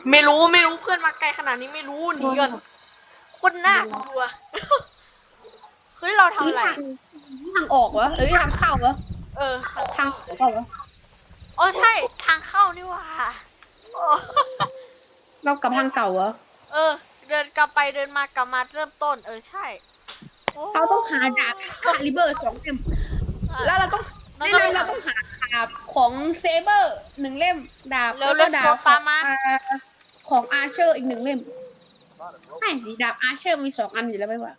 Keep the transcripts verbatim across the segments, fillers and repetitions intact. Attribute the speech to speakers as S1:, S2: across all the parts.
S1: ไม่รู้ไม่รู้เพื่อนมาไกลขนาดนี้ไม่รู้หนีกันคนน่ากลัวเฮ้ยเราทำอะไร
S2: ทางออกวะหรือทางเข้าวะ
S1: เออ
S2: ทางเข้าวะ
S1: อ๋อใช่ทางเข้านี่ว่า
S2: เรากลับทางเก่าวะ
S1: เออเดินกลับไปเดินมากลับมาเริ่มต้นเออใช่
S2: เราต้องหาดาบคาลิเบอร์สองเล่มแล้วเราต้องแนะนำเราต้องหาดาบของเซเบอร์หนึ่งเล่มดาบแล้วก็ดาบของอาร์เชอร์อีกหนึ่งเล่มไม่สิดาบอาร์เชอร์มีสองอันอยู่แล้วไม่ว่า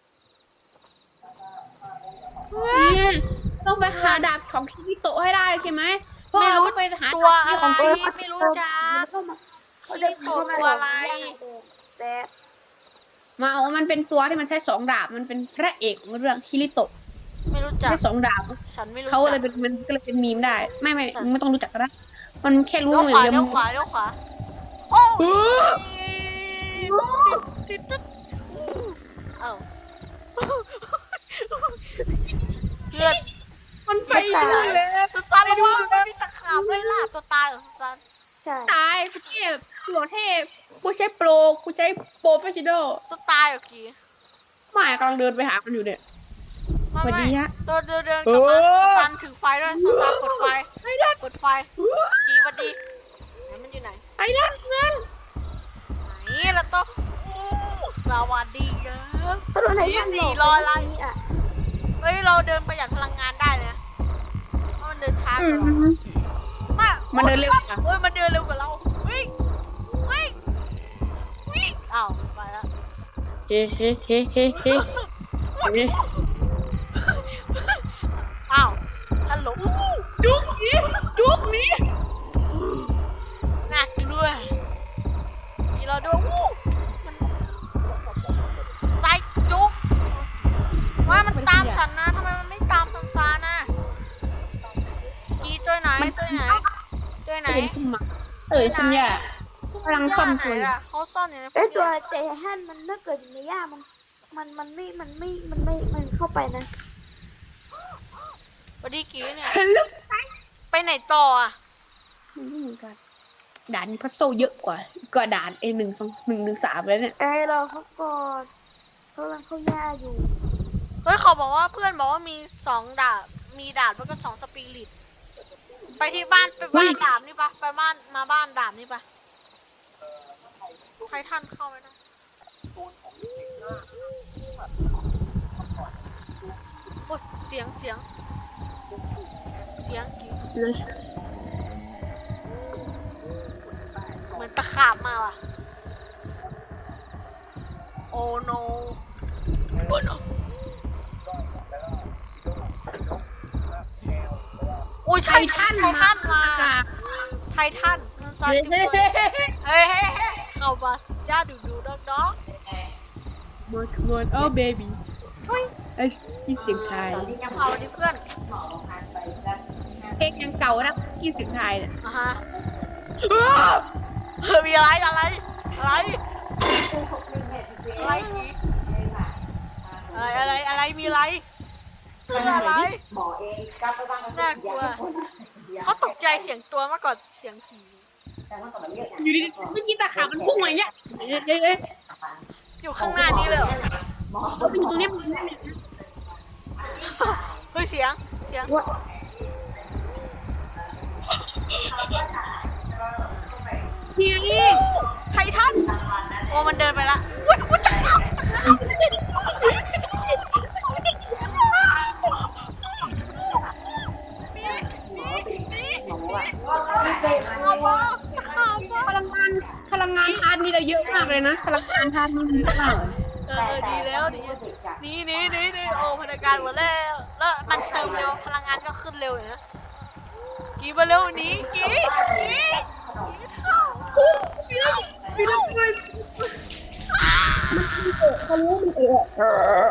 S2: ต้องไปหาดาบของคิริโตะให้ได้ใช่ไหมเพราะเราต้องไปหา
S1: ตัวอะ
S2: ของ
S1: ไรไม่รู้จักคิริโตะตัวอะไร
S2: มาเอามันเป็นตัวที่มันใช้สองดาบมันเป็นพระเอกของเรื่องคิริโตะ
S1: ไม่รู้จัก
S2: ใช้สองดาบ
S1: ฉันไม่รู้
S2: เขาเลยเป็นมันก็เลยเป็นมีมได้ไม่ไม่ไม่ต้องรู้จักก็ได้มันแค่รู้
S1: อย่างเดียวเลี้ยวขวาเลี้ยวขวาโอ้ติดติดเอ้าเพื่อน
S2: มันไปดูแล้ว
S1: สุสานระวังมันมีตะขาบเลยล่ะตัวตายเหรอสุสาน
S2: ตายกูเทพหลวเทพกูใช้โปรกูใช้โปรเฟชชั่นอล
S1: ตัวตายเหรอกี้
S2: ไม่กำลังเดินไปหามันอยู่เนี่ย
S1: สวัสดีฮะตัวเดินเดินกลับมาสุสานถือไฟด้วยสุสานเปิดไฟเปิดไฟจีสวัสดีไหนมันอยู่ไหน
S2: ไอ้นั่นเงิน
S1: ไหนแล้วต้องสวัสดีครับนี่สี่ร้อยไลค์เฮ้ยเราเดินประหยัดพลังงานได้เลยเพราะมันเดินช้ากว่าเรามาก
S2: มันเดินเร็วกว่า
S1: เฮ้ยมันเดินเร็วกว่าเราวิ่งวิ่งวิ่งอ้าวไปแล้ว
S2: เฮ้เฮ้เฮ้เฮ้เฮ้
S1: อ้าวฮัลโหล
S2: จุกนี้จุกนี้
S1: น่ากลัวมีเราด้วยวู้มันไซจุกว่ามันตามฉันนะทำไมมันไม่ตามฉันซานะกีตัวไหนตัวไหนตัวไหน
S2: เออคุณย่ากำลังซ่อมตัว
S1: เขาซ่อนอยู่ใน
S3: ไอตัวเจฮันมันถ้าเกิดอยู่ในหญ้ามันมันมันไม่มันไม่มันไม่มันเข้าไปนะ
S1: สวัสดีกีเนี่ยไปไหนต่ออ่ะ
S2: ไม่เหมือนกันด่านนี้พัซโซเยอะกว่ากว่าด่านเอหนึ่งสองหนึ่งหนึ่งสามเลยเนี่ย
S3: เออเราเขาก่อนเขากำลังเข้าหญ้าอยู่
S1: เฮ้ยเขาบอกว่าเพื่อนบอกว่ามีสองดาบมีดาบแล้วก็สองสปิริตไปที่บ้านไปบ้านดาบนี่ปะไปบ้านมาบ้านดาบนี่ปะไททันเข้าไหมนะโอ้ยเสียงเสียงเสียงกี่เหมือนตะขาบมาว่ะโอ้โนโอ้โนโอ้ยไททันไททันมาไททันมันซัดทุกคนเฮ้ยเฮ้ยเฮ้ยเข้ามาสิจ้าดูดูน้องน้อง
S2: มอนมอนโอ้เบบี้ไอ้กี่เสียงไทย
S1: เอาดิเพื่อน
S2: เพลงยังเก่านะกี่เสียงไทยเนี่ย
S1: อ่ะฮะเฮ้ยมีอะไรอะไรอะไรอะไรจีอะไรอะไรอะไรมีอะไรอะไรน่ากลัวเขาตกใจเสียงตัวมากกว่าเสียงผี
S2: อยู่ดีๆเมื่อกี้ตาขามันพุ่งมาอย่างเงี้ย
S1: อยู่ข้างหน้านี้เลย
S2: เอาเป็นตัวนี้มัน
S1: เฮ้ยเสียงเสียง
S2: เนี่ย
S1: ไททันโอ้มันเดินไปละวุ้ยวุ้ยตะขาบตะขาบ
S2: พลังงานพลังงานทานมีเราเยอะมากเลยนะพลังงานทานมีเยอะมาก
S1: เออดีแล้วดีนี่นี่นี่นี่โอ้พลังงานหมดแล้วแล้วมันเติมเร็วพลังงานก็ขึ้นเร็วนะกี่มาเร็วนี้กี่กี่เข้า
S2: พุ่งไปแล้วไปแล้วไปเขารู้มันเอ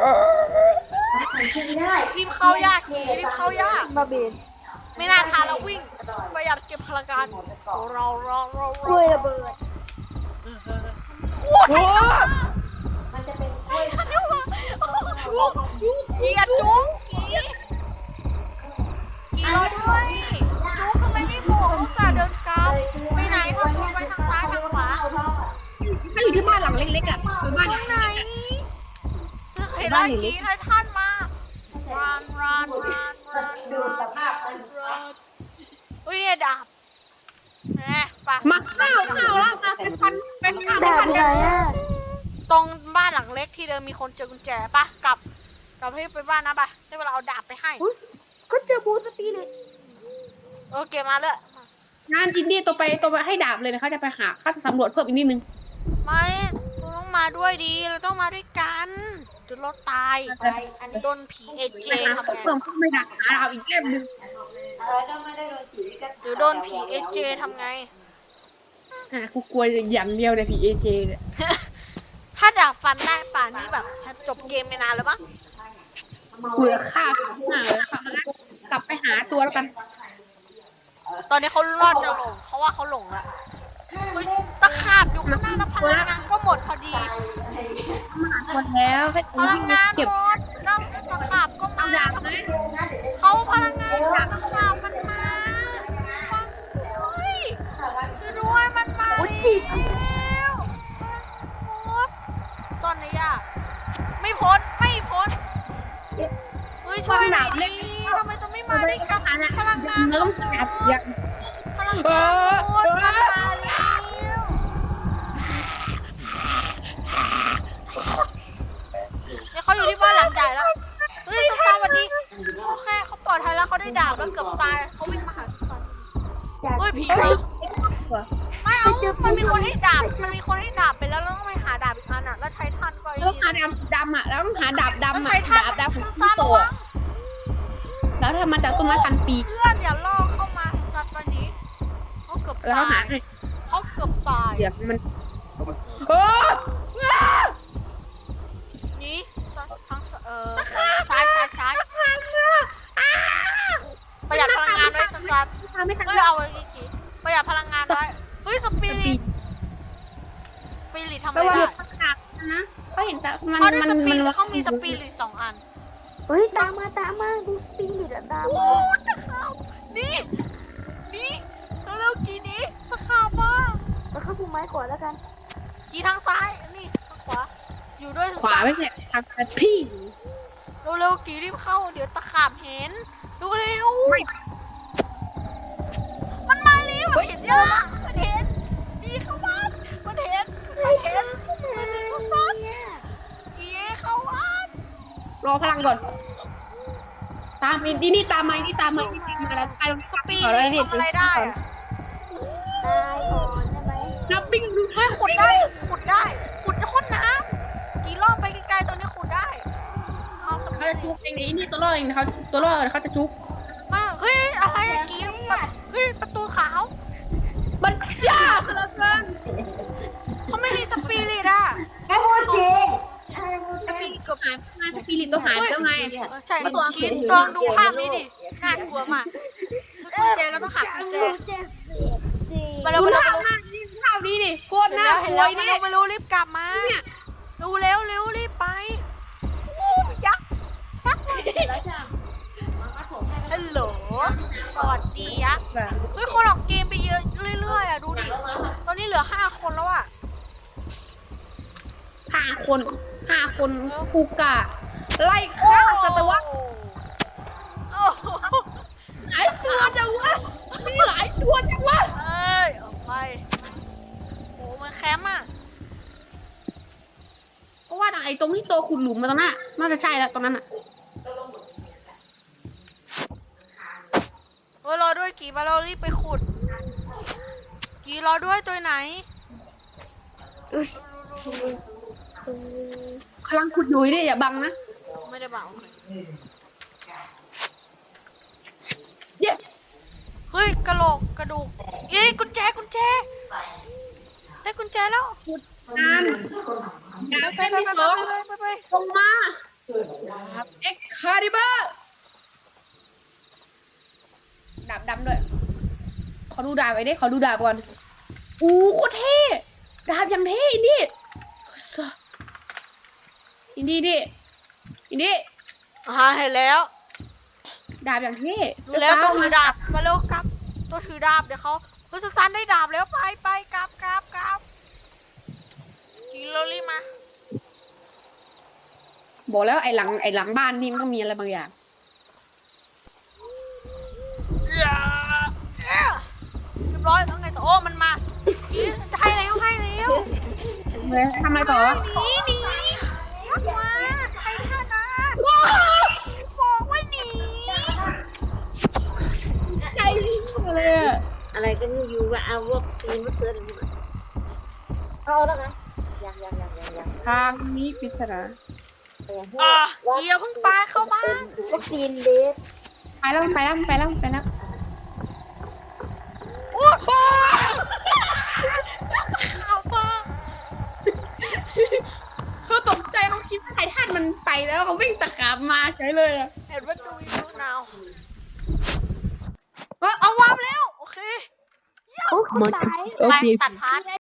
S1: อรีบเข้ายากรีบเข้ายาก
S3: มาเบน
S1: ไม่น่าทานแล้ววิ่งประหยัดเก็บพลังงานเราเราเรา
S3: กล้วยระเบิด
S1: โอ้โหมันจะเป็นกล้วยจุ๊กจุ๊กกีอะจุ๊กกีกีรอด้วยจุ๊กทำไมไม่บอกอุตส่าห์เดินกลับไปไหนทำตัวไปทางซ้ายทางขวา
S2: ลังเล็กๆอ่ะคือบ้านหลัง
S1: ไหน
S2: เล็กๆอะ
S1: จะเห็นไล่กีไททันมารันรันรันรัน
S4: ดูสภาพมัน
S1: อุ้ยเนี่ยดาบแหมปะ
S2: มาข้าวข้าวแล้วมาไปฟันไปฆ่าไป
S3: ดาบ
S2: ฟัน
S3: อยู่
S2: กั
S3: ไหน
S2: น
S3: อ่ะ
S1: ตรงบ้านหลังเล็กที่เดิมมีคนเจอกุญแจปะกลับกลับให้ไปบ้านนะปะได้เวลาเอาดาบไปให้
S3: อุ๊ยก็เจอบูสปีริต
S1: โอเคมาเลย
S2: งานอินดี้ตัวไปตัวไปให้ดาบเลยนะเขาจะไปหาเขาจะสำรวจเพิ่มอีกนิดนึง
S1: ไม่คุณต้องมาด้วยดีเราต้องมาด้วยกันเดี๋ยวเราตาย
S4: ไปอันนี้
S1: โดนผีเอเจ
S2: ไปหา
S1: ทำ
S2: ของ
S1: ไง
S2: เพิ่มก็ไม่ได้หาดาบอีกเล่มนึง
S4: เออก็ไม่ได้โดนฉีดก็
S1: เดี๋ยวโดนผีเอเจทำไง
S2: อ่ะกูกลัวอย่างเดียวเนี่ยผีเอเจเนี่ย
S1: ถ้าดาบฟันได้ป่านนี้แบบฉันจบเกมไปนานแล้วมั้ง
S2: เบื่อฆ่าผีมากเลยค่ะงั้นกลับไปหาตัวแล้วกัน
S1: ตอนนี้เขารอดจะหลงเขาว่าเขาหลงละเฮ้ยตะขาบอยู่ข้างหน้าแล้วพลังงานก็หมดพอดี
S2: มาหาตัวแล้วให้
S1: พ
S2: ตัว
S1: ลัง
S2: ที่
S1: งาน
S2: เก็บ
S1: หมดแล้วตะขาบก็
S2: เอา
S1: มา
S2: ดาบไหม
S1: เขาพลังงานหมดตะขาบมันมาฟังด้วยช่วยด้วยมันมา
S3: โอ้ยจีบ
S1: แล้วโอ๊ยซ่อนในยากไม่พ้นไม่พ้นเฮ้ยช่วยหน่อยดิทำไมจะไม่มา
S2: เรา
S1: ได้
S2: ต้
S1: กั
S2: อบ งหาดาบ
S1: พลังงาน
S2: เราต้องหาดาบอย่าง
S1: พลังงานหมดมันมาแล้วเนี่ยเขาอยู่ที่บ้านหลังใหญ่แล้วเฮ้ยสตาร์วันนี้โอเคเขาปลอดภัยแล้วเขาได้ดาบแล้วเกือบตายเขาวิ่งมาหาสันเฮ้ยผี
S2: เอ้ย
S1: ไม่เอามันมีคนให้ดาบมันมีคนให้ดาบไปแล้วเราต้องไปหาดาบอีกอันอ่ะแล้วไททันก็
S2: เราต้องหาดาบสีดำอ่ะแล้วต้องหาดาบ
S1: แล้ว
S2: ดำ
S1: ไท
S2: อ่ะ
S1: ทัน
S2: ดาบดำของ
S1: ซั
S2: ที่
S1: น
S2: โต
S1: ระวัง
S2: อะแล้วทำมาจากต้นไม้พันปี
S1: เพื่อนอย่าล่อเข้ามาสัตว์วันนี้เขาเกือบ
S2: แล้ว
S1: ตา
S2: หาย ให้
S1: เขาเกือบตาย
S2: เดี๋ยวมันเออ
S1: นี่ทางเออซ้ายซ้ายซ้ายประหยัดพลังงานไว้สันสัน
S2: ตามไม่ทัน
S1: เฮ้ยเอาไว้อีกทีประหยัดพลังงานไว้เฮ้ยสปิริตสปิริตทำอะไร
S2: ระวัง
S1: ได้
S2: ทักษะนะเขาเห็นแต่มัน
S1: เขาได้
S2: มัน
S1: สปิ
S2: มัน
S1: ริตเขามีสปิริตสองอัน
S3: เฮ้ยตามมาตามมาดูสปีริตอะตาม
S1: โอ้
S3: มา
S1: ตะขาบนี่นี่เร็วๆกี่นี้ตะขาบมา
S3: แล้วเข้าภูไม้ก่อนแล้วกัน
S1: กี่ทางซ้ายนี่ทางขวาอยู่ด้วย
S2: ขวาไม่ใช่ทางพี่
S1: เร็วๆกี่รีบเข้าเดี๋ยวตะขาบเห็นดูเร็ว
S2: ไม่
S1: มันมาเร็วมันเห็นยังมันเห็นดีเข้าบ้านมันเห็นมันเห็นมันเห็นเขาซ้อนกี่เข้าบ้าน
S2: รอพลังก่อน ตามนี่นี่ตามมานี่ตามมานี่ตามมาแล้วไปตรง
S1: สปี
S2: ก่อนเลยนี่
S1: ทำอะไรได้อะ
S3: ตายก่อนได้ไหม
S2: นับปิ้งดู
S1: เฮ้ยขุดได้ขุดได้ขุดจะค้นน้ำกี่รอบไปไกลๆตัวนี้ขุดได้เอาส
S2: เขา
S1: ปี
S2: จะจุกเองนี่นี่ตัวรอดเองเขาตัวรอดเขาจะจุก
S1: มาเฮ้ยอะไรอะกี่เฮ้ยประตูขาว
S2: มันจ้าซะเหลือเกิน
S1: เขาไม่มีสปิริตอ่ะ
S4: ให้พูดจริงให้พูด
S2: ส
S4: จ
S2: ปิ
S4: ริง
S2: ริตตัวหายไปไงสปิริตตัวหายไปแล้วไง
S1: เออใช่
S2: มาตัว
S1: กินตองดูภาพนี้ดิน่ากลัวมากคือกุญแจเราต้องหากุญแจ
S3: เจ็บจริง
S1: มาเร็ว
S2: ดู
S1: มาเร็
S2: ภาว พหน้านี่ภาพนี้ดิโคตร
S1: เห็น
S2: น่า
S1: แล้ว
S2: ก
S1: เห็น
S2: ลัว
S1: แล้วมา
S2: เนี่
S1: เร็
S2: ยว
S1: มาเร็วรีบกลับมา
S2: เนี่ย
S1: ดูเร็วเร็วรีบไปอู้ยักษ์ยักษ์ฮัลโหลสวัสดียักษ์เฮ้ยคนออกเกมไปเยอะเรื่อยๆอ่ะดูดิตอนนี้เหลือห้าคนแล้วอ่ะ
S2: ห้าคนห้าคนคูกะไล่ฆ่าสัตวะ
S1: โอ้โห
S2: หลายตัวจังวะมีหลายตัวจังวะ
S1: เอ้ยออกไปโอ้มันแคมป์อ่ะ
S2: เพราะว่าไอ้ตรงที่ตัวขุดหลุมมาตรงนั้นน่ะน่าจะใช่แล้วตรงนั้นอ่ะ
S1: เฮ้ยรอด้วยกี่มาเรารีบไปขุดกี่รอด้วยตัวไหน
S3: อุ๊ย
S2: กำลังขุดอยู่นี่อย่าบังนะ
S1: ไม่ได้บอกโอเค
S2: yes
S1: เฮ้ยกระโหลกกระดูกเอ้ยกุญแจกุญแจได้กุญแจแล้ว
S2: ขุดงานดาว
S1: ไป
S2: เต้น
S1: ไป
S2: ที่
S1: ไป
S2: สอง
S1: ไปไปไป
S2: ลงมาเอ็กคาริเบอร์ดาบดำด้วย ขอดูดาบไว้ดิขอดูดาบก่อนอู้โคตรเท่ดาบอย่างเท่อินดี้อินดี้ดิอินดี้
S1: อ่าเห็นแล้ว
S2: ดาบอย่างเท่
S1: ดูแล้วตัวถือดาบมาเร็วกลับตัวถือดาบเดี๋ยวเขาเฮ้ยสุสานได้ดาบแล้วไปไปกลับกลับกลับกินเ
S2: บอกแล้วไอ้หลังไอ้หลังบ้านนี่มันต้องมีอะไรบางอย่าง
S1: อย่าเรียบร้อยแล้วไงต่อโอ้มันมาให้แล้วให้แล้ว
S2: เฮ้ยทำอะไรต่อวะ
S1: หนีหนีทักมาใครท่านะบอกว่าหนี
S2: ใจเลยอะ
S4: อะไรก็ไม่รู้ว่าเอาวัคซีนมาเชื่อเลยเอาแล้วนะยังยังยังยังยัง
S2: ทางนี้ปริศนา
S1: อ่ะเกียร์เพิ่งปาเข้าบ้าน
S3: วัคซีนเบส
S2: ไปแล้วไปแล้วไปแล้วไปแล้ว
S1: โอ้โหข่าวบ้า
S2: เขาตกใจเขาคิดว่าไททันมันไปแล้วเขาวิ่งตะกาบมาใช่เลยอะ
S1: เห็นว่าดูอยู่นาวเอาวางแล้วโอเค
S3: เขาเขาตาย
S2: โอ
S1: ไป
S2: เค
S1: ตัดพาร์ท